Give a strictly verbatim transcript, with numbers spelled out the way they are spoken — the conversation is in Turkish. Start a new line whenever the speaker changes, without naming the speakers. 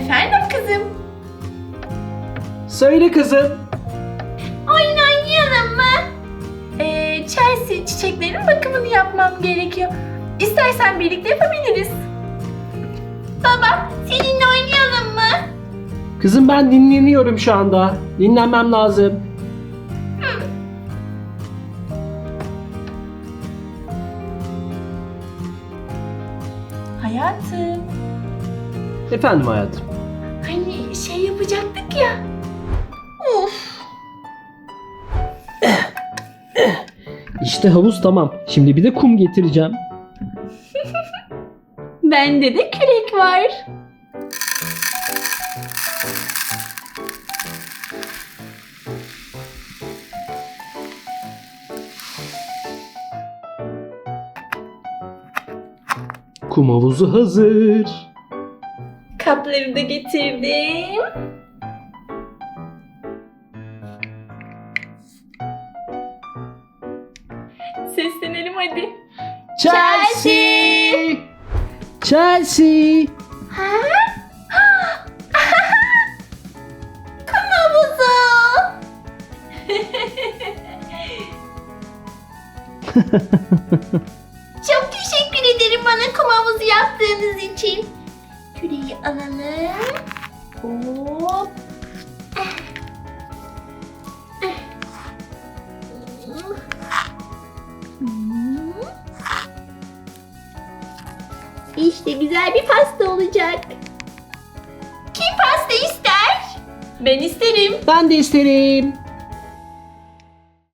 Efendim kızım?
Söyle kızım.
Oyun oynayalım mı? Ee, Chelsea, çiçeklerin bakımını yapmam gerekiyor. İstersen birlikte yapabiliriz. Baba, seninle oynayalım mı?
Kızım ben dinleniyorum şu anda. Dinlenmem lazım.
Hayatım,
Efendim hayatım.
hani şey yapacaktık ya. Of.
İşte havuz tamam. Şimdi bir de kum getireceğim.
Bende de kürek var.
Kum havuzu hazır.
Kapları da getirdim. Seslenelim hadi.
Chelsea! Chelsea!
Ha? Kum havuzu. Çok teşekkür ederim bana kum havuzu yaptığınız için. Küreği alalım. Hop. İşte güzel bir pasta olacak. Kim pasta ister? Ben isterim.
Ben de isterim.